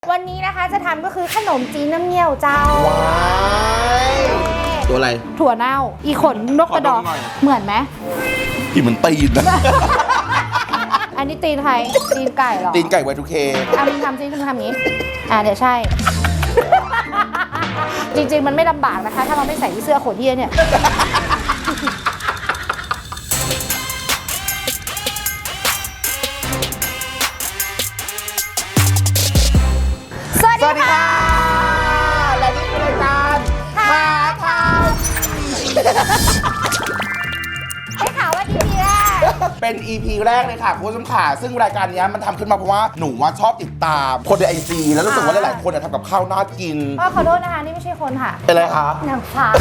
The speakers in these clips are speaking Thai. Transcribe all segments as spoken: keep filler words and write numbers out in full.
วันนี้นะคะจะทำก็คือขนมจีนน้ำเงี้ยวเจ้าว้ายตัวอะไรถั่วเน่าอีขนนกกระดอกเหมือนไหมที่เหมือนตีนนะอันนี้ตีนใครตีนไก่เหรอตีนไก่ไวทูเคอ่ะมึงทำซิมึงทำอย่างนี้อ่ะเดี๋ยวใช่ จริงๆมันไม่ลำบากนะคะถ้าเราไม่ใส่เสื้อขนเหี้ยเนี่ยสวัสดีค่ะและนี่คือรายการหาข่าวได้ข่าวว่าดีแรกเป็น อี พี แรกเลยค่ะคุณผู้ชมค่ะซึ่งรายการนี้มันทำขึ้นมาเพราะว่าหนูว่าชอบติดตามคนในไอจีแล้วรู้สึกว่าหลายๆคนทำกับข้าวน่ากินก็ขอโทษนะคะนี่ไม่ใช่คนค่ะเป็นอะไรคะนางฟ้า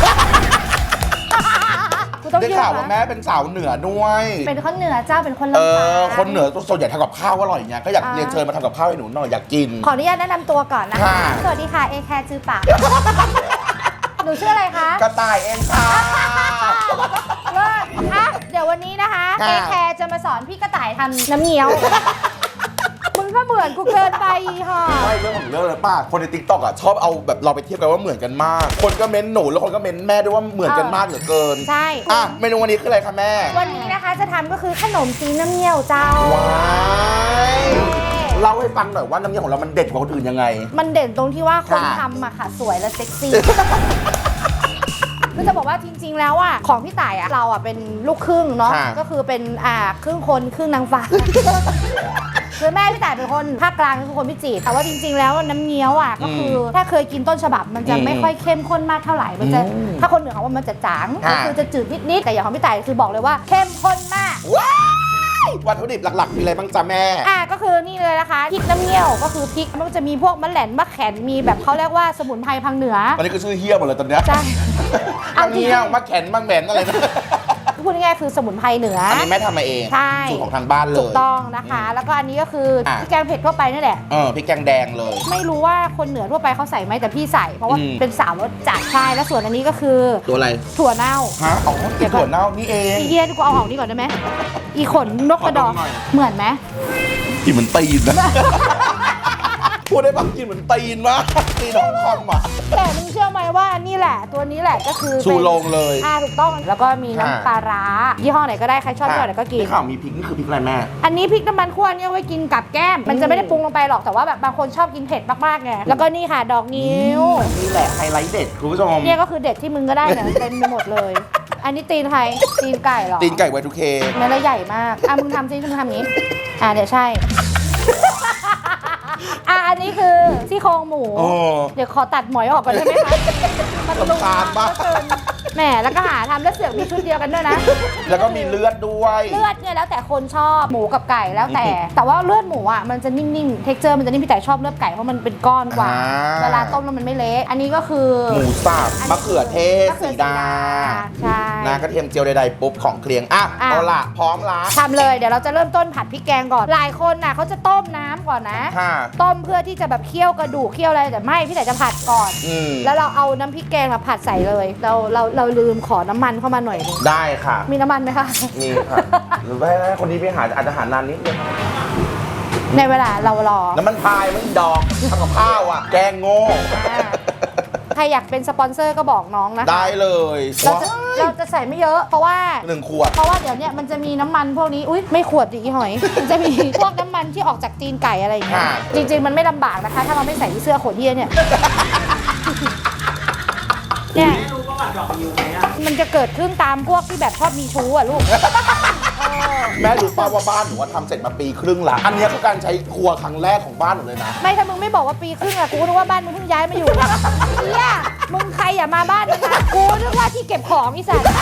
ได้ข่าวว่าแม่เป็นสาวเหนือด้วยเป็นคนเหนือเจ้าเป็นคนลำปางเออคนเหนือส่วนใหญ่ทำกับข้าวอร่อยเนี่ยก็อยากเรียนเชิญมาทำกับข้าวให้หนูหน่อยอยากกินขออนุญาตแนะนำตัวก่อนนะคะสวัสดีค่ะเอแคร์จือปากหนูชื่ออะไรคะกระต่ายเองค่ะเลิศอ่ะเดี๋ยววันนี้นะคะเอแคร์จะมาสอนพี่กระต่ายทำน้ำเงี้ยวมึงก็เหมือนกูเกินไปค่ะไม่เรื่องของเรื่องเลยป้าคนในติ๊กต็อกอ่ะชอบเอาแบบเราไปเทียบกันว่าเหมือนกันมากคนก็เม้นหนูแล้วคนก็เม้นแม่ด้วยว่าเหมือนกันมากเหลือเกินใช่อ่ะเมนูวันนี้คืออะไรคะแม่วันนี้นะคะจะทำก็คือขนมจีนน้ำเงี้ยวเจ้าว้ายเล่าให้ฟังหน่อยว่าน้ำเงี้ยวของเรามันเด็ดกว่าคนอื่นยังไงมันเด่นตรงที่ว่าคนทำอะค่ะสวยและเซ็กซี่คือจะบอกว่าจริงๆแล้วอ่ะของพี่ต่ายอ่ะเราอ่ะเป็นลูกครึ่งเนาะก็คือเป็นอ่าครึ่งคนครึ่งนางฟ้าคือแม่พี่ต่ายเป็นคนภาคกลางคือคนพิจิตรแต่ว่าจริงๆแล้วน้ำเงี้ยวอ่ะก็คือถ้าเคยกินต้นฉบับมันจะไม่ค่อยเข้มข้นมากเท่าไหร่มันจะถ้าคนเหนือเขาว่ามันจะจางก็คือจะจืดนิดๆแต่อย่างของพี่ต่ายคือบอกเลยว่าเข้มข้นมากวัตถุดิบหลักๆมีอะไรบ้างจ๊ะแม่อ่ะก็คือนี่เลยนะคะพริกน้ำเงี้ยวก็คือพริกมันก็จะมีพวกมะแหลนมะแขนมีแบบเขาเรียกว่าสมุนไพรพังเหนือตอนนี้ก็ชื่อเฮี้ยหมดเลยตอนเนี้ยใช่มะเงี้ยวมะแขนมะแหลนอะไรนะพูดง่ายๆคือสมุนไพรเหนืออันนี้แม่ทำมาเองใช่สูตรของทางบ้านเลยถูกต้องนะคะแล้วก็อันนี้ก็คือพริกแกงเผ็ดทั่วไปนั่นแหละเออพริกแกงแดงเลยไม่รู้ว่าคนเหนือทั่วไปเขาใส่ไหมแต่พี่ใส่เพราะว่าเป็นสาวรสจัดใช่แล้วส่วนอันนี้ก็คือตัวอะไรถั่วเน่าฮะอ๋อถั่วเน่านี่เองอีเยียนกูเอาออกนี่ก่อนได้ไหมอีขนนกกระดอกเหมือนไหมกินเหมือนตีนนะพูดได้ปะกินเหมือนตีนวะตีนของคอมอ่ะแต่มึงเชื่อไหมว่านี่แหละตัวนี้แหละก็คือชูโรงเลยอ่าถูกต้องแล้วก็มีน้ำปลาร้ายี่ห้อไหนก็ได้ใครชอบยี่ห้อไหนก็กินนี่ข่าวมีพริกนี่คือพริกอะไรแม่อันนี้พริกน้ำมันข้นเนี่ยไว้กินกับแก้มมันจะไม่ได้ปรุงลงไปหรอกแต่ว่าแบบบางคนชอบกินเผ็ดมากๆไงแล้วก็นี่ค่ะดอกนิ้วนี่แหละไฮไลท์เด็ดคุณผู้ชมเนี่ยก็คือเด็ดที่มึงก็ได้เนี่ยเต็มไปหมดเลยอันนี้ตีนใครตีนไก่เหรอตีนไก่ไวทูเคเนื้อใหญ่มากอ่ะมึงทำซิมึงทำอย่างนี้อ่ะเดี๋ยวใช่อ่ะอันนี้คือซี่โครงหมูเดี๋ยวขอตัดหมอยออกก่อนได้ไหมคะมันลำคาญมากแหมแล้วก็หาทำแล้วเสือกมีชุดเดียวกันด้วยนะแล้วก็มีเลือดด้วยเลือดเนี่ยแล้วแต่คนชอบหมูกับไก่แล้วแต่แต่ว่าเลือดหมูอ่ะมันจะนิ่มๆเท็กเจอร์มันจะนิ่มพี่แต่ชอบเลือดไก่เพราะมันเป็นก้อนกว่าเวลาต้มแล้วมันไม่เละอันนี้ก็คือหมูสับมะเขือเทศสีดาใช่น้ากระเทียมเจียวใดๆปุ๊บของเคลียงอ่ะเอาละพร้อมละทำเลยเดี๋ยวเราจะเริ่มต้นผัดพริกแกงก่อนหลายคนน่ะเขาจะต้มน้ำก่อนนะต้มเพื่อที่จะแบบเคี่ยวกระดูกเคี่ยวอะไรแต่ไม่พี่แต่จะผัดก่อนแล้วเราเอาน้ำพริกแกงมาผัดใส่เลยเราเราเราลืมขอน้ำมันเข้ามาหน่อยนึงได้ค่ะมีน้ำมันไหมคะมีค่ะหรือว่าคนนี้ไปหาอาจจะหานานนิดนึงในเวลาเรารอน้ำมันพายไม่ดอกทำกับข้าวอ่ะแกงโง่ใครอยากเป็นสปอนเซอร์ก็บอกน้องนะคะได้เลยเราจะเราจะใส่ไม่เยอะเพราะว่าหนึ่งขวดเพราะว่าเดี๋ยวเนี้ยมันจะมีน้ำมันพวกนี้อุ้ยไม่ขวดดิหอยมันจะมีพวกน้ำมันที่ออกจากตีนไก่อะไรอย่างเงี้ยจริงๆมันไม่ลำบากนะคะถ้าเราไม่ใส่เสื้อขนเหี้ยเนี่ยเนี่ยมันจะเกิดขึ้นตามพวกที่แบบชอบมีชู้อ่ะลูกแม่รู้ป่าวว่าบ้านหนูทำเสร็จมาปีครึ่งละอันนี้คือการใช้ครัวครั้งแรกของบ้านหนูเลยนะไม่ถ้ามึงไม่บอกว่าปีครึ่งอะกูนึกว่าบ้านมึงเพิ่งย้ายมาอยู่เนี่ยมึงใครอย่ามาบ้านมึงนะกูนึกว่าที่เก็บของอีสัตว์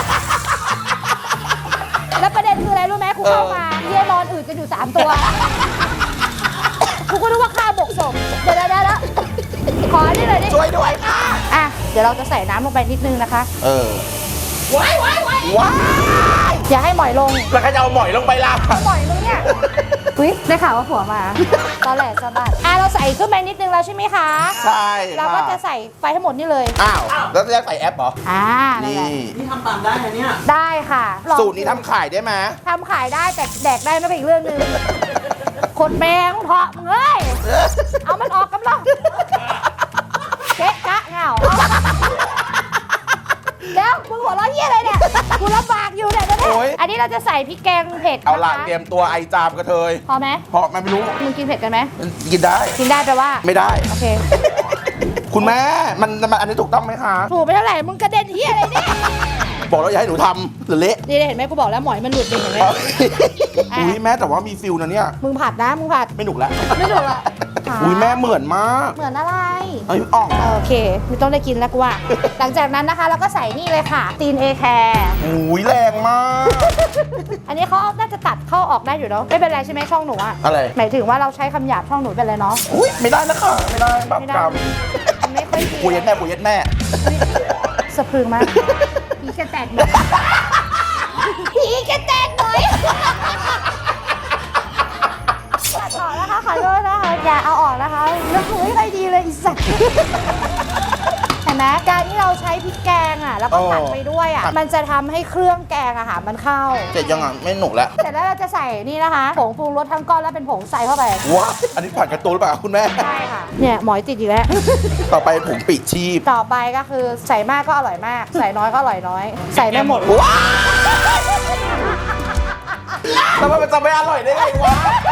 แล้วประเด็นคืออะไรรู้ไหมกูเข้ามาเยี่ยนอนอืดกันอยู่สามตัวกูก็นึกว่าข้าวบกศพเดี๋ยวเดี๋ยวแล้วขอได้เลยดิช่วยด้วยค่ะอ่ะเดี๋ยวเราจะใส่น้ำลงไปนิดนึงนะคะเออว้ายว้ายว้ายว้ายอย่าให้หมอยลงแล้วก็จะเอาหมอยลงไปล่ะหมอยมึงเนี่ยอุ๊ยได้ข่าวว่าผัวมาตอนแหลสะบัดอ่ะเราใส่ขึ้นไปนิดนึงแล้วใช่ไหมคะใช่เราก็จะใส่ไปทั้งหมดนี่เลยอ้าวแล้วจะใส่แอปเหรออ่านี่นี่ทำตามได้ไหมเนี่ยได้ค่ะสูตรนี้ทำขายได้ไหมทำขายได้แต่แดกได้ไม่เป็นอีกเรื่องนึงขดแมงเถาะมึงเอ้ยเอามันออกกำลังเก๊ะกะเหงาแล้วมึงหัวเราะเยี่ยอะไรเนี่ยกูลำบากอยู่เนี่ยตอนนี้อันนี้เราจะใส่พริกแกงเผ็ดเอานะละคะเตรียมตัวไอจามกระเทยพอไหมเพราะมันไม่รู้มึงกินเผ็ดกันไหมมันกินได้กินได้แปลว่าไม่ได้โอเคคุณแม่มันมันอันนี้ถูกต้องไหมคะถูกไปเท่าไหร่มึงกระเด็นเฮียอะไรเนี่ยบอกแล้วอย่าให้หนูทำหรือเละนี่เห็นไหมกูบอกแล้วหมอยมันหลุดเองเห็นไหมอุ้ยแม่แต่ว่ามีฟิลนะเนี่ยมึงผัดนะมึงผัดไม่หนุกแล้วไม่ถูกละอุ้ยแม่เหมือนมากเหมือนอะไรเอ้ยอ่องโอเคไม่ต้องได้กินแล้วกูว่า หลังจากนั้นนะคะเราก็ใส่นี่เลยค่ะตีนเอแคร์อุ้ยแรงมากอันนี้เขาน่าจะตัดเข้าออกได้อยู่เนาะไม่เป็นไรใช่ไหมช่องหนูอะอะไรหมายถึงว่าเราใช้คำหยาบช่องหนูเป็นไรเนาะอุ้ยไม่ได้นะคะไม่ได้แบบไม่ได้กรรมมันไม่ค่อยดีปุยยัดแม่ปุยยัดแม่สะพรึงมากผีแกแตกหน่อยผีแกแตกหน่อยตัดออกนะคะขอโทษนะคะอย่าเอาออกนะคะแล้วคือไม่ค่อยดีเลยอีสัตว์เห็นไหมการที่เราใช้พริกแกงอ่ะแล้วก็ตัดไปด้วยอ่ะมันจะทำให้เครื่องแกงอะค่ะมันเข้าเสร็จยังอ่ะไม่หนุกแล้วเสร็จแล้วเราจะใส่นี่นะคะผงปรุงรสทั้งก้อนแล้วเป็นผงใส่เข้าไปว้าอันนี้ผ่านกระตูนหรือเปล่าคุณแม่ใช่ค่ะเนี่ยหมอยติดอยู่แล้วต่อไปผงปีกชีพต่อไปก็คือใส่มากก็อร่อยมาก ใส่น้อยก็อร่อยน้อย ใส่ไม่หมดว้าแล้วมันจะไม่อร่อยได้ไงวะ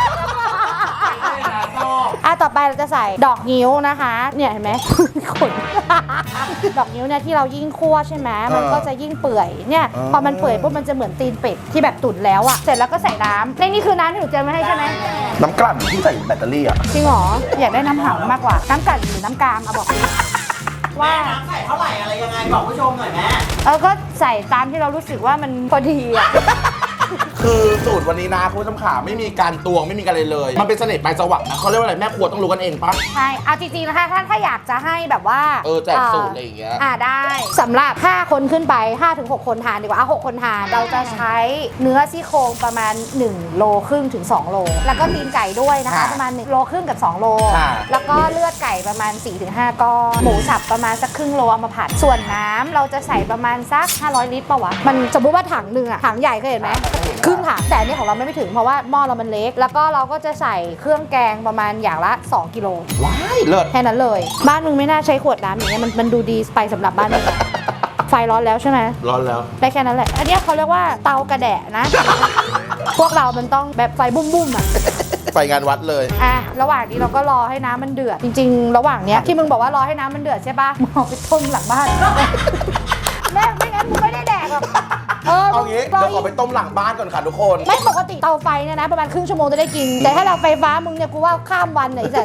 อ่ะต่อไปเราจะใส่ดอกนิ้วนะคะ เนี่ยเห็นไหม ขน ดอกนิ้วเนี่ยที่เรายิ่งคั่วใช่ไหมมันก็จะยิ่งเปื่อยเนี่ยพอมันเปื่อยปุ๊บมันจะเหมือนตีนเป็ดที่แบบตุ๋นแล้วอะเสร็จแล้วก็ใส่น้ำในนี่คือน้ำที่หนูเจอมาให้ใช่ไหมน้ำกลั่นที่ใส่แบตเตอรี่อ่ะจริงเหรออยากได้น้ำหอมมากกว่าน้ำกลั่นหรือน้ำกามเอาบอกดิว่าน้ำใส่เท่าไหร่อะไรยังไงบอกผู้ชมหน่อยแม่เออก็ใส่ตามที่เรารู้สึกว่ามันพอดีอะคือสูตรวันนี้นะคุณผู้ชมขาไม่มีการตวงไม่มีการอะไรเลย มันเป็นเสน่ห์ปลายจวักนะเขาเรียกว่าอะไรแม่ครัวต้องรู้กันเองปะใช่เอาจริงๆนะคะถ้าถ้าอยากจะให้แบบว่าเออแจกสูตรอะไรอย่างเงี้ยอ่าได้สำหรับห้าคนขึ้นไป ห้าถึงหก คนทานดีกว่าอ่ะหกคนทานเราจะใช้เนื้อซี่โครงประมาณ1โลครึ่งถึง2โลแล้วก็ตีนไก่ด้วยนะคะค่ะประมาณ1โลครึ่งกับ2โลค่ะแล้วก็เลือดไก่ประมาณ สี่ถึงห้า ก้อนหมูสับประมาณสักครึ่งโลเอามาผัดส่วนน้ำเราจะใส่ประมาณสักห้าร้อยลิตรป่าวะมันสมมติว่าถังหนึ่งอะถังใหญ่เคยเห็นไหมครึ่งถังแต่อันนี่ของเราไม่ถึงเพราะว่าหม้อเรามันเล็ก แล้วก็เราก็จะใส่เครื่องแกงประมาณอย่างละสองกิโลว้ายเลิศแค่นั้นเลย บ้านมึงไม่น่าใช้ขวดน้ำอย่างเงี้ยมันมันดูดีไปสำหรับบ้านมึงอะไฟร้อนแล้วใช่ไหมร้อนแล้วได้แค่นั้นแหละ อันเนี้ยเขาเรียกว่าเตากระแดะนะ พวกเรามันต้องแบบไฟบุ้มๆอ่ะไปงานวัดเลยอ่ะระหว่างนี้เราก็รอให้น้ำมันเดือดจริงๆ ระหว่างเนี้ยที่มึงบอกว่ารอให้น้ำมันเดือดใช่ปะมึงเอาไปต้มหลังบ้าน แม่ไม่งั้นมึงไม่ได้แดกหรอกเออเอางี้รเดี๋ยวขอไปต้มหลังบ้านก่อนค่ะทุกคนไม่ปกติเตาไฟเนี่ยนะประมาณครึ่งชั่วโมงจะได้กิน แต่ถ้าเราไฟฟ้ามึงเนี่ยกูว่าข้ามวันไหนจะ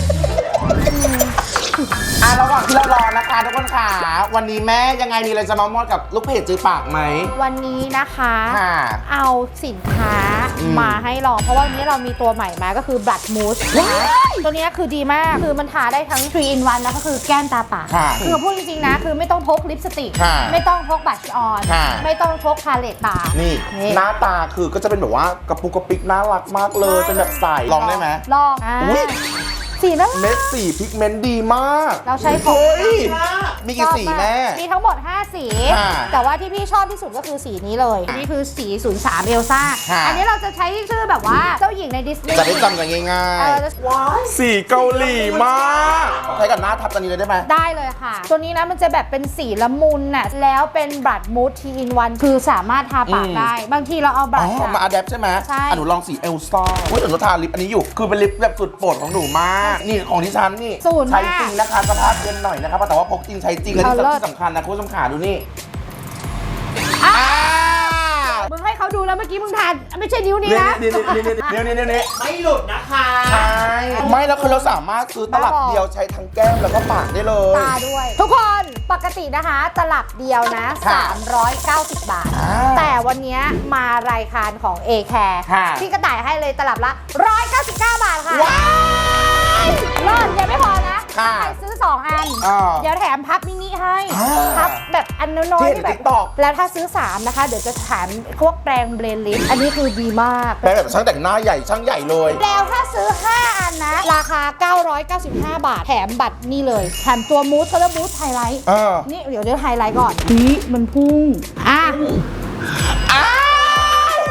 อ่ะระหว่างที่เรารอนะคะทุกคนค่ะวันนี้แม่ยังไงมีอะไรจะมามอดกับลูกเพจจื้อปากไหมวันนี้นะคะค่ะเอาสินค้าอืมมาให้ลอง เพราะว่าวันนี้เรามีตัวใหม่มาก็คือ Blood Mousse ตัวนี้คือดีมาก คือมันทาได้ทั้ง ทรี อิน วัน แล้วก็คือแก้มตาปากค่ะคือพูดจริงๆนะ คือไม่ต้องพกลิปสติกค่ะไม่ต้องพกบัตรออนค่ะไม่ต้องพกพาเลตตานี่นี่หน้าตาคือก็จะเป็นแบบว่ากระปุกกระปิกน่ารักมากเลย เป็นแบบใสลองได้ไหมลองอ่าอุ๊ยสีน่ารักเม็ดสีพิกเมนต์ดีมากเราใช้ผงเฮ้ยมีกี่สีแม่มีทั้งหมด ห้า สีค่ะแต่ว่าที่พี่ชอบที่สุดก็คือสีนี้เลย นี่คือสี ศูนย์สาม เอลซ่าค่ะอันนี้เราจะใช้ชื่อแบบว่าเจ้าหญิงในดิสนีย์จะได้จำกันง่ายเออๆ สีเกาหลีมากใช้กับหน้าทับตอนนี้เลยได้ไหมได้เลยค่ะ ตัวนี้นะมันจะแบบเป็นสีละมุนน่ะ แล้วเป็นบลัดมูดทีอินวันคือสามารถทาปากอืมได้ บางทีเราเอาบอ๋ลัอดอะมาอะแดปใช่ไหมใช่อ่ะหนูลองสีเอลซ่าเฮ้ยหนูทาลิปอันนี้อยู่ คือเป็นลิปแบบสุดโปรดของหนูมาก นี่ของที่ฉันนี่ศูนย์ใช้มากจริงนะคะสภาพเย็นหน่อยนะครับแต่ว่าพกจริงใช้จริงและที่เอาเลิศสำคัญนะคุณผู้ชมขาดูนี่อ่ะอ่ามึงให้เขาดูแล้วเมื่อกี้มึงทานไม่ใช่นิ้วนี้นี่นะนี่นี่นี่นี่นี่นี่นี่ไม่หลุดนะคะใช่ไม่แล้วคือเราสามารถซื้อตลับเดียวใช้ทั้งแก้มแล้วก็ปากได้เลยตาด้วย ทุกคนปกตินะคะตลับเดียวนะค่ะสามร้อยเก้าสิบ บาทอ่าแต่วันนี้มารายการของ เอ แคร์ค่ะที่กระต่ายให้เลยตลับละหนึ่งร้อยเก้าสิบเก้า บาทค่ะว้ายรอดยังไม่พอนะค่ะใครซื้อ สอง อันอ่าเดี๋ยวแถมพับมินิให้อ่าพับแบบอันน้อยที่ๆเห็นที่แบบ TikTok แล้วถ้าซื้อ สาม นะคะ เดี๋ยวจะแถมพวกแปรงเบรนลิสอันนี้คือดีมากแปลแบบช่างแต่งหน้าใหญ่ช่างใหญ่เลยแล้วถ้าซื้อ ห้า อันนะ ราคา เก้าร้อยเก้าสิบห้า บาท แถมบัตรนี่เลย แถมตัวมูสเขาเรียกมูสไฮไลท์เออนี่เดี๋ยวเดี๋ยวไฮไลท์ก่อนนี่มันพุ่ง อ่ะอ้าวมึ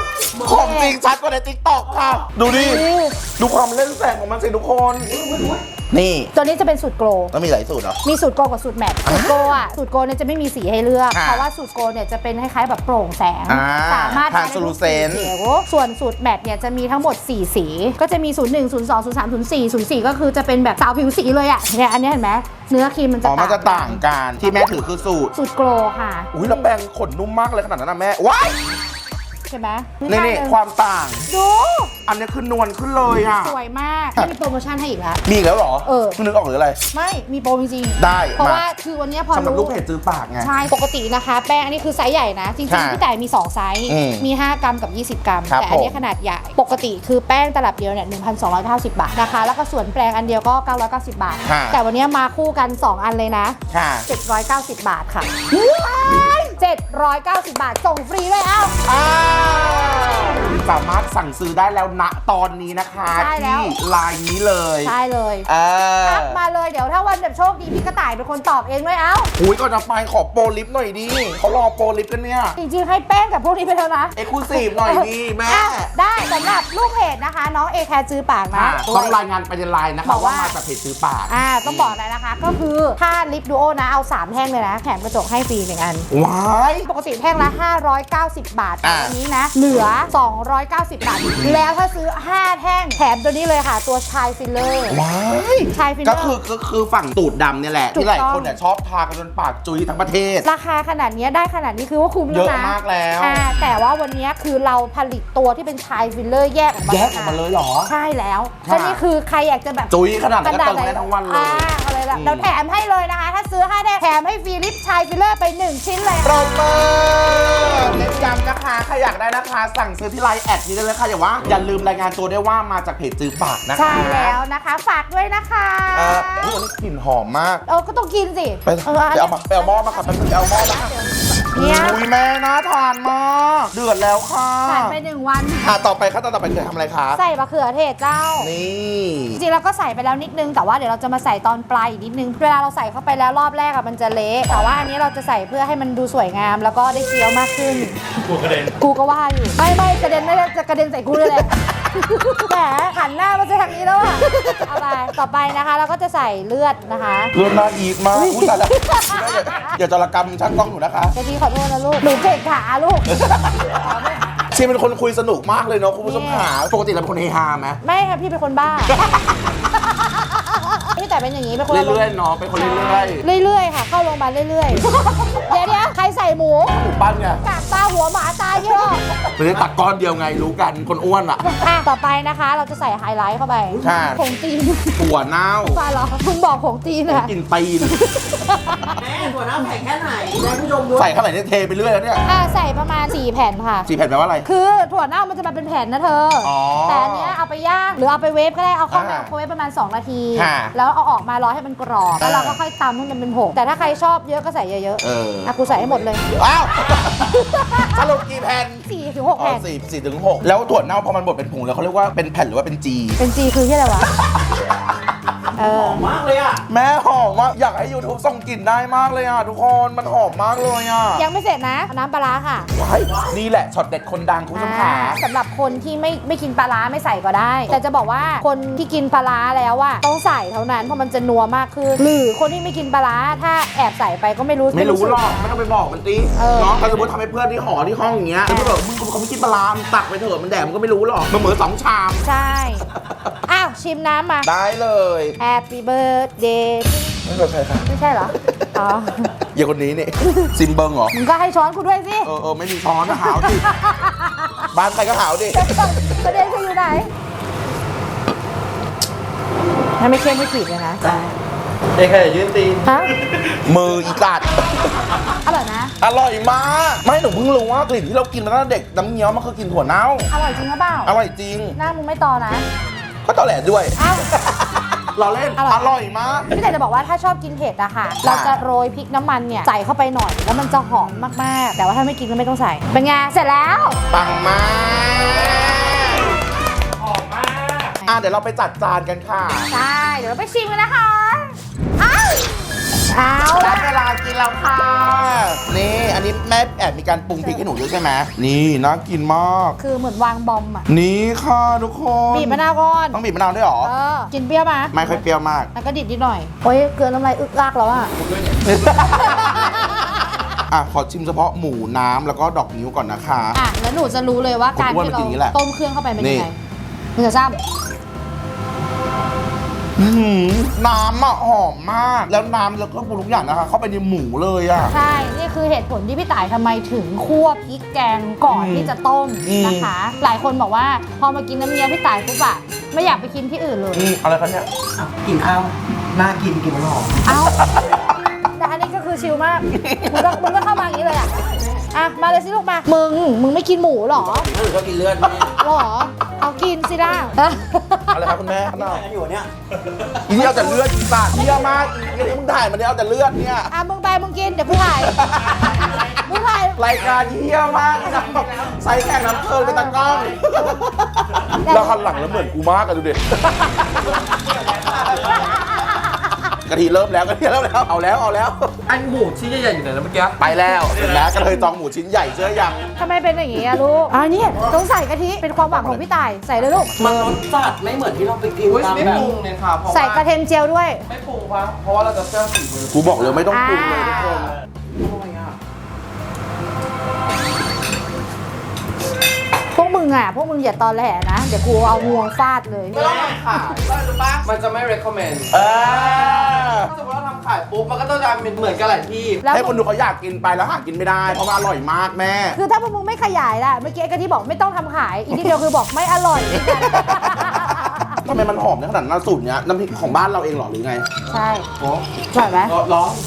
ของจริงชัดกว่าในติ๊กต็อกค่ะ ดูดิ ดูความเล่นแสงของมันสิทุกคน นี่ตัวนี้จะเป็นสูตรโกลแล้วมีหลายสูตรเหรอมีสูตรโกลกับสูตรแมทสูตรโกลอ่ะสูตรโกลเนี่ยจะไม่มีสีให้เลือกอ่าเพราะว่าสูตรโกลเนี่ยจะเป็นคล้ายๆแบบโปร่งแสงอ่าสามารถทานได้ทุกสี translucent เขียวส่วนสูตรแมทเนี่ยจะมีทั้งหมดสี่สี ก็จะมีศูนย์หนึ่ง ศูนย์สอง ศูนย์สาม ศูนย์สี่ ศูนย์สี่ก็คือจะเป็นแบบสาวผิวสีเลยอ่ะเนี่ยอันนี้เห็นไหมเนื้อครีมมันจะอ๋อ มันจะต่างกัน ที่แม่ถือคือสูตรสูตรโกลค่ะอุ้ยแล้วแปรงขนนุ่มมากเลยขนาดนั้นนะแม่ ว้ายใช่ไหมนี่นี่ความต่างดูอันนี้คือนวลขึ้นเลยอ่ะสวยมากมีโปรโมชั่นให้อีกแล้วมีอีกแล้วเหรอเออพิ่งนึกออกหรืออะไรไม่มีโปรจริงๆได้เพราะมาว่าคือวันเนี้ยพอสำหรับลูรู้กเพจจื้อปากไงใช่ ปกตินะคะ แป้งอันนี้คือไซส์ใหญ่นะ จริงค่ะๆพี่แต่มี สอง ไซส์อืมมี ห้ากรัมกับ ยี่สิบ กรัมครับแต่อันนี้ผมขนาดใหญ่ ปกติคือแป้งตลับเดียวเนี่ย หนึ่งพันสองร้อยเก้าสิบ บาทนะคะ แล้วก็ส่วนแปรงอันเดียวก็ เก้าร้อยเก้าสิบ บาทค่ะแต่วันเนี้ยมาคู่กัน สอง อันเลยนะค่ะเจ็ดร้อยเก้าสิบ บาทค่ะเจ็ดร้อยเก้าสิบ บาท ส่งฟรีเลยเอ้าอ้าวสามารถสั่งซื้อได้แล้วณตอนนี้นะคะใช่แล้วที่ไลน์นี้เลยใช่เลยเออทักมาเลย เดี๋ยวถ้าวันแบบโชคดีพี่กระต่ายเป็นคนตอบเองด้วยเอ้าหุยก่อนจะไปขอโปรลิฟต์หน่อยดิเขารอโปรลิฟต์กันเนี่ยจริงๆให้แป้งกับพวกนี้ไปแล้วนะเอ็กซ์คลูซีฟหน่อยดิแม่อ่ะได้สำหรับลูกเพจนะคะ น้องเอแคร์จื้อปากนะอ่ะต้องรายงานไปในไลน์นะบคะอกว่าว่ามาจากเพจซื้อปากอ่าต้องบอกเลยนะคะ ก็คือถ้าลิปดูโอนะเอา สาม แท่งเลยนะ แถมกระจกให้ฟรีหนึ่งอันว้ายปกติแท่งละ ห้าร้อยเก้าสิบ บาทแต่อ่าวันนี้นะ เหลือ สองร้อยเก้าสิบ บาท แล้วถ้าซื้อ ห้า แท่ง แถมตัวนี้เลยค่ะ ตัวชายฟิลเลอร์ว้ายชายฟิลเลอร์ก็คือก็คือฝั่งตูดดำเนี่ยแหละถูกที่หลายต้องคนเนี่ยชอบทากันจนปากจุยทั้งประเทศราคาขนาดนี้ได้ขนาดนี้คือว่าคุ้มเยแล้วอะนะมากแล้วอ่าแต่ว่าวันนี้คือเราผลิตตัวที่เป็นชายฟิลเลอร์แยกออกมาแยกออกมาเลยเหรอใช่แล้วค่ะก็นี่คือใครอยากจะแบบจุยขนาดนั้นก็เติมได้ทั้งวันเลยอ่าอะไรละอืมเราแถมให้เลยนะคะ ถ้าซื้อห้าแท่งแถมให้ฟรีลิปชายฟิลเลอร์ไปหนึ่งชิ้นเลยปรบมือเน้นย้ำนะคะใครอยากได้นะคะ สั่งซื้อที่ไลน์แอดนี้ได้เลยค่ะอย่าว่าอย่าลืมรายงานตัวได้วยว่ามาจากเพจจื้อปากนะคะใช่แล้วนะคะ ฝากด้วยนะคะเอออุ๊ยวันนี้กลิ่นหอมมากเออก็ต้องกินสิไปเออไปเอามาไปเอาหม้อมาค่ะไปเอาหม้อมาค่ะเนี่ยอุ้ยแม่น่าทานมากเดือดแล้วค่ะผ่านไปหนึ่งวันอ่ะต่อไปขั้นตอนต่อไปคือทำอะไรคะใส่มะเขือเทศเจ้านี่จริงๆเราก็ใส่ไปแล้วนิดนึง แต่ว่าเดี๋ยวเราจะมาใส่ตอนปลายอีกนิดนึง เวลาเราใส่เข้าไปแล้วรอบแรกอะมันจะเละ แต่ว่าอันนี้เราจะใส่เพื่อให้มันดูสวยงาม แล้วก็ได้เคี้ยวมากขึ้นกูกระเด็นกูก็ว่าอยู่ ไม่ไม่กระเด็นไม่ได้จะกระเด็นใส่กูเลยแหละ แหมหันหน้ามาจะทางนี้แล้วอะเอาไปต่อไปนะคะเราก็จะใส่เลือดนะคะเลือดน่าอีกมากอุ้ยตายแล้วอย่าจรกรรมช่างกล้องหนูนะคะเดี๋ยวพี่ขอโทษนะลูก หนูเก่งขาลูกชีเป็นคนคุยสนุกมากเลยเนาะคุณผู้ชมขาปกติเราเป็นคนเฮฮาไหมไม่ค่ะพี่เป็นคนบ้า พี่แต่เป็นอย่างนี้เป็นคนเรื่อยๆเนาะเป็นคนเรื่อยๆเรื่อยๆค่ะ เข้าโรงพยาบาลเรื่อยๆ เดี๋ยวเดี๋ยวใครใส่หมูๆหมูปั้นไงกากตาหัวหมาตายเยอะไม่ได้ตักก้อนเดียวไงรู้กันคนอ้วนอ่ะอ่ะต่อไปนะคะเราจะใส่ไฮไลท์เข้าไปค่ะผงจีนถั่วเน่าปลาเหรอมึงบอกผงจีนอะกินตีนแม่ถั่วเน่าใส่แค่ไหนให้ผู้ชมดูใส่เท่าไหร่เนี่ยเทไปเรื่อยแล้วเนี่ยอ่ะใส่ประมาณสี่แผ่นค่ะสี่แผ่นแปลว่าอะไรคือถั่วเน่ามันจะมาเป็นแผ่นนะเธอออแต่อันเนี้ยเอาไปย่างหรือเอาไปเวฟก็ได้ เอาเข้าไมอ่าโครเวฟประมาณ สอง นาทีค่ะแล้วเอาออกมารอให้มันกรอบ แล้วเราก็อ่าค่อยตำให้มันเป็นผง แต่ถ้าใครชอบเยอะก็ใส่เยอะเออๆอ่ะกูใส่ให้หมดเลยอ้าวสรุปกี่แผ่นสี่ถึงหกอ๋อแผ่นสี่สี่ถึงหกแล้วถั่วเน่าพอมันบดเป็นผงแล้วเขาเรียกว่าเป็นแผ่นหรือว่าเป็นจีเป็นจีคือที่อะไรวะ เอหออมมากเลยอ่ะแม่หอมมากอยากให้ YouTube ส่งกลิ่นได้มากเลยอ่ะทุกคนมันหอมมากเลยอ่ะยังไม่เสร็จนะเอาน้ำปลาร้าค่ะว้ายนี่แหละช็อตเด็ดคนดังคุณผู้ชมขาอ่าสำหรับคนที่ไม่ไม่กินปลาร้าไม่ใส่ก็ได้ แต่จะบอกว่าคนที่กินปลาร้าแล้วอะต้องใส่เท่านั้นเพราะมันจะนัวมากขึ้น หรือคนที่ไม่กินปลาร้าถ้าแอบใส่ไปก็ไม่รู้ไม่รู้สึกหรอกไม่ต้องไปบอกมันตีเออเนาะถ้าสมมติทำให้เพื่อนที่หอที่ห้องอย่างเงี้ยแล้วมันแบบมึงเขาไม่กินปลาร้ามึงตักไปเถอะมันแดกมันก็ไม่รู้หรอกมันเหมือนสองชามใช่ อ้าวชิมน้ำมาได้เลย Happy birthday ไม่เป็นไรค่ะไม่ใช่เหรอ อ๋ออย่าคนนี้นี่ซิมเบิงเหรอมึงก็ให้ช้อนกูด้วยสิเออเออไม่มีช้อนนะหาวดิบ้านใครก็หาวดิประเด็นคืออยู่ไหนถ้าไม่เค็มไม่ขีดเลยนะเด็กใครยืนตีนฮะมืออีกัดอร่อยนะอร่อยมากไม่หนูเพิ่งรู้ว่ากลิ่นที่เรากินมาตั้งแต่เด็กน้ำเงี้ยวมันคือกลิ่นถั่วเน่าอร่อยจริงหรือเปล่าอร่อยจริงหน้ามึงไม่ตอนะก็ตอแหลด้วยอ้าวเราเล่นอร่อยอร่อยมากพี่แต่จะบอกว่าถ้าชอบกินเผ็ดอะค่ะ เราจะโรยพริกน้ำมันเนี่ยใส่เข้าไปหน่อย แล้วมันจะหอมมากๆ แต่ว่าถ้าไม่กินก็ไม่ต้องใส่ เป็นไง เสร็จแล้วปังมากหอมมากอ่ะเดี๋ยวเราไปจัดจานกันค่ะใช่ เดี๋ยวเราไปชิมกันนะคะ อ้าวเอาได้ละเวลากินแล้วค่ะนี่อันนี้แม่แอบมีการปรุงพริกให้หนูด้วยใช่ไหมนี่น่ากินมากคือเหมือนวางบอมอ่ะนี่ค่ะทุกคนบีบมะนาวก่อนต้องบีบมะนาวด้วยเหรอเออกินเปรี้ยวมาไม่ค่อยเปรี้ยวมากแล้วก็ดิบนิดหน่อยโอ้ยเกลือน้ำลายอึกอักแล้วอ่ะอ่ะขอชิมเฉพาะหมูน้ำแล้วก็ดอกนิ้วก่อนนะคะอ่ะแล้วหนูจะรู้เลยว่าการผมว่าที่มันกินอย่างนี้แหเราละต้มเครื่องเข้าไปเป็นยังไงนี่มึงจะซ้อื้อหือน้ำอ่ะหอมมาก แล้วน้ำแล้วก็ปรุงทุกอย่างนะคะเข้าไปในหมูเลยอ่ะำใช่นี่คือเหตุผลที่พี่ต่ายทำไมถึงคั่วพริกแกงก่อนอืมที่จะต้มอืมนะคะ หลายคนบอกว่าพอมากินน้ำเงี้ยวพี่ต่ายปุ๊บอะไม่อยากไปกินที่อื่นเลยอืมอะไรคะเนี่ยอ่ะกินข้าวน่ากินกินมันหอมเอ้าแต่อันนี้ก็คือชิลมากมึงก็มึงก็เข้ามาอย่างนี้เลยอะอ่ะมาเลยสิลูกมามึงมึงไม่กินหมูเหรอถ้าหนูชอบกินเลือดนี่หรอเอากินสิล่ะอะไรครับคุณแม่ข้างนอกกันอยู่เนี่ยอีนี่เอาแต่เลือดอีปากเยี่ยมากอีนี่มึงถ่ายมันเนี่ยเอาแต่เลือดเนี่ยอ่ะมึงไปมึงกินเดี๋ยวกูถ่ายมึงถ่ายรายการเยี่ยมมากนะใส่แข่งน้ำเพลินเป็นตากล้องแล้วคันหลังแล้วเหมือนกูมากอะดูดิกะทิเริ่มแล้วกะทิเริ่มแล้วเอาแล้วเอาแล้วอันหมูชิ้นใหญ่ๆอยู่ไหนนะเมื่อกี้ไปแล้วเห็นแล้วกระเทยจองหมูชิ้นใหญ่เชื่อยังทำไมเป็นอย่างนี้อะลูกอ่านี่ต้องใส่กะทิเป็นความหวังของพี่ต่ายใส่เลยลูกมันรสจัดไม่เหมือนที่เราไปกินอุ้ยตามไม่แบปบรุงเลยค่ะเพราะใส่ว่ากระเทียมเจียวด้วยไม่ปรุงวะเพราะว่าเราจะเชื่อฝีมือกูบอกเลยไม่ต้องปรุงเลยทุกคนพวกมึงอ่ะ พวกมึงอย่าตอแหลนะ เดี๋ยวกูเอางวงฟาดเลยไม่ต้องทำขายก็รู้ปะมันจะไม่ recommend เออถ้าสมมติเราทำขายปุ๊บมันก็ต้องจะเป็นเหมือนกันหลายที่แล้วให้คนดูเขาอยากกินไปแล้วหากินไม่ได้เพราะมันอร่อยมากแม่คือถ้าพวกมึงไม่ขยายล่ะ เมื่อกี้ไอ้กะทิบอกไม่ต้องทำขาย อีกทีเดียวคือบอกไม่อร่อยทำไมมันหอมในขนาดนั้นสูตรเนี้ยน้ำพริกของบ้านเราเองเหรอหรือไงใช่โอ้ใช่ไหมร้อง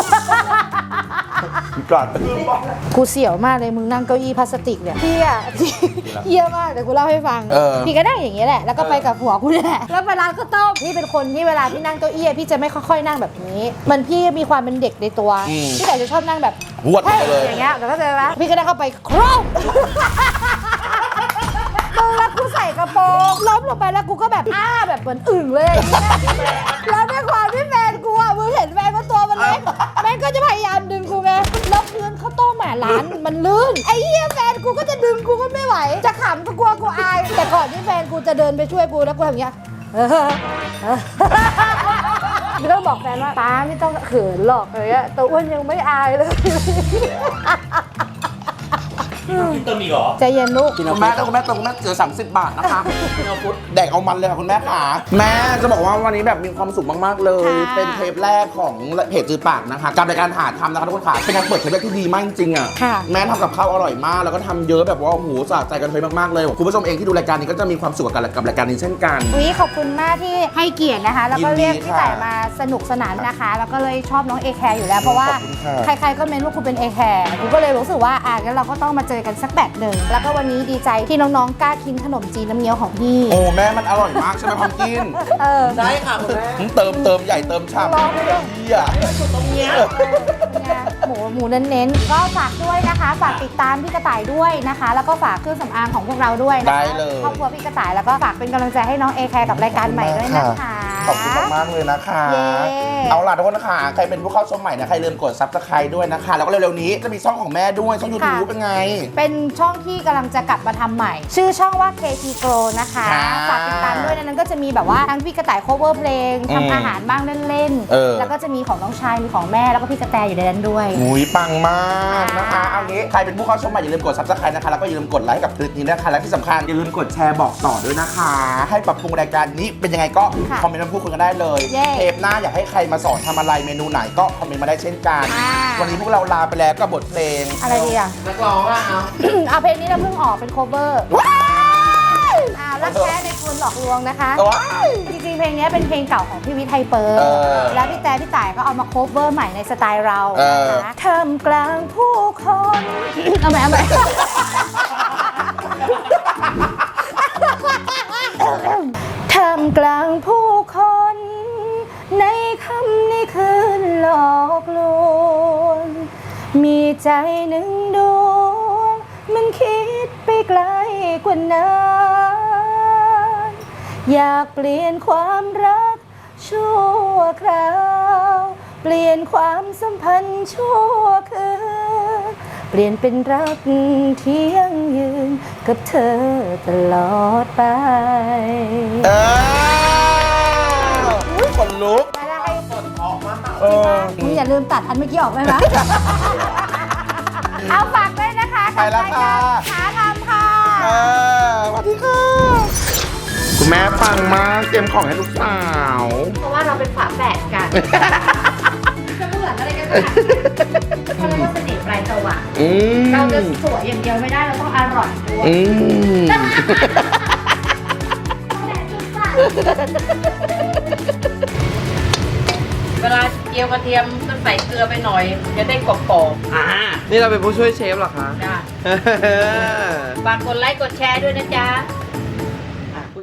พี่ก่อนกูเสียวมากเลยมึงนั่งเก้าอี้พลาสติกเนี่ยพี่อ่ะพี่เยี่ยมากเดี๋ยวกูเล่าให้ฟังเออพี่ก็นั่งอย่างนี้ยแหละแล้วก็ไปกับผัวกูนี่แหละแล้วไปร้านข้าวต้มพี่เป็นคนที่เวลาพี่นั่งเก้าอี้อะพี่จะไม่ค่อยๆนั่งแบบนี้มันพี่มีความเป็นเด็กในตัวพี่แต่จะชอบนั่งแบบหวดไปเลยอย่างเงี้ยเดี๋ยวก็เจอไหมพี่ก็ได้เข้าไปครอบมึงแล้วกูใส่กระโปรงล้มลงไปแล้วกูก็แบบอ้าแบบเหมือนอึ่งเลยอย่างเงี้ยแล้วด้วยความที่แฟนกูอ่ะมึงเห็นแฟนว่าตัวมันเล็กแม่งก็จะพยายามดึงกูไงแล้วพื้นข้าวต้มอ่ะร้านมันลื่นไอ้เหี้ยแฟนกูก็จะดึงกูก็ไม่ไหวจะขำก็กลัวกูอายแต่ก่อนที่แฟนกูจะเดินไปช่วยกูแล้วกูทำอย่างเงี้ยไม่ต้องบอกแฟนว่าป้าไม่ต้องเขินหรอกอะไรเงี้ยตัวอ้วนยังไม่อายเลยเติมอีกเหรอใจเย็นลูกคุณแม่ถ้าคุณแม่ตรงคุณแม่เจอสามสิบบาทนะคะแดกเอามันเลยค่ะคุณแม่ขาแม่จะบอกว่าวันนี้แบบมีความสุขมากๆเลยค่ะเป็นเทปแรกของเพจจือปากนะคะกับรายการหาทำนะคะทุกคนค่ะเป็นการเปิดเทปแรกที่ดีมากจริงๆอ่ะค่ะแม่ทำกับข้าวอร่อยมากแล้วก็ทำเยอะแบบว่าโอ้โหสะใจกันเลยมากๆเลยคุณผู้ชมเองที่ดูรายการนี้ก็จะมีความสุขกับกับรายการนี้เช่นกันอุ๊ยขอบคุณมากที่ให้เกียรตินะคะ แล้วก็ยินดีเรียกพี่ค่ะต่ายมาสนุกสนานนะคะ แล้วก็เลยชอบน้องเอแคร์อยู่แล้ว เพราะว่าขอบคุณค่ะใครๆก็เมนว่าคุณเป็นเอแคร์กูก็เลยรู้สึกว่าอ่ะงั้นเราก็ต้องมาเจอกันสักแบบหนึ่งแล้วก็วันนี้ดีใจที่น้องๆกล้ากินขนมจีนน้ำเงี้ยวของพี่โอ้แม่มันอร่อยมากใช่ไหมพัมกินเออได้ค่ะคุณแม่เติมเติมใหญ่เติมชามลองไปด้วยเฮียเนี่ยหมูหมูเน้นๆก็ฝากด้วยนะคะ ฝากติดตามพี่กระต่ายด้วยนะคะ แล้วก็ฝากเครื่องสำอางของพวกเราด้วยนะคะได้เลยครอบครัวพี่กระต่ายแล้วก็ฝากเป็นกำลังใจให้น้องเอแคร์กับรายการใหม่ด้วยนะคะขอบคุณมากๆเลยนะคะเย้เอาล่ะทุกคนนะคะใครเป็นผู้เข้าชมใหม่นะใครลืมกดซับสไครต์ด้วยนะคะ แล้วก็เร็วๆนี้จะมีช่องของแม่ด้วยช่องยูทูบเป็นไงเป็นช่องที่กำลังจะกลับมาทำใหม่ ชื่อช่องว่า เค ที Grow นะคะค่ะฝากติดตามด้วยในนั้นก็จะมีแบบว่าทั้งพี่กระต่าย cover เพลงอืมทำอาหารบ้างเล่นเออแล้วก็จะมีของน้องชายมีของแม่แล้วก็พี่กระแตอยู่ในนั้นด้วยหุยปังมากนะคะค่ะเอางี้ใครเป็นผู้เข้าชมใหม่อย่าลืมกดซับสไครต์นะคะแล้วก็อย่าลืมกดไลค์กับคลิปนี้นะคะและที่สำคัญอย่าลืมกดแชร์บอกต่อด้วยนะคะ ให้ปรับปรุงรายการนี้เป็นยังไงก็คอมเมนต์มาพูดคุยกันได้เลยเย้เทปหน้าอยากให้ใครมาสอนทำอะไรเมนูไหนก็คอมเมนต์มาได้เช่นกันอ่าวันนี้พวกเราลาไปแล้วกับบทเพลงอะไรดีอ่ะนักร้องอะเอาเอาเพลงนี้เราเพิ่งออกเป็น cover ว้ายอ่ารักแท้ในคุณหลอกลวงนะคะว้ายจริงๆ เพลงนี้เป็นเพลงเก่าของพี่วิทย์ไทยเปิร์เออแล้วพี่แต่พี่ต่ายก็เอามา cover ใหม่ในสไตล์เราเออนะคะท่ามกลางผู้คน เอาใหม่เอาใหม่ ท่ามกลางผู้คน ในคำในคืนหลอกลวงมีใจหนึ่งดวงมันคิดไปไกลกว่านั้นอยากเปลี่ยนความรักชั่วคราวเปลี่ยนความสัมพันธ์ชั่วคืนเปลี่ยนเป็นรักที่ยั่งยืนกับเธอตลอดไปเอออุ๊ยขนลุกได้กดออกมาเออมึงอย่าลืมตัดอันเมื่อกี้ออกไหมนะ เอาฝากด้วยนะคะไปแล้วค่ะหาทำค่ะเออสวัสดีค่ะ คุณแม่ปังมากเตรียมของให้ลูกสาวเพราะว่าเราเป็นฝาแฝดกัน จะเหมือนอะไรกันขนาดนั้นเขาเรียกว่าเสน่ห์ปลายจวักอืมเราจะสวยอย่างเดียวไม่ได้เราต้องอร่อยด้วยอืมเวลาเจียวกระเทียมต้องใส่เกลือไปหน่อย จะได้กรอบอ่านี่เราเป็นผู้ช่วยเชฟเหรอคะๆจ้ะฝากกดไลค์กดแชร์ด้วยนะจ๊ะ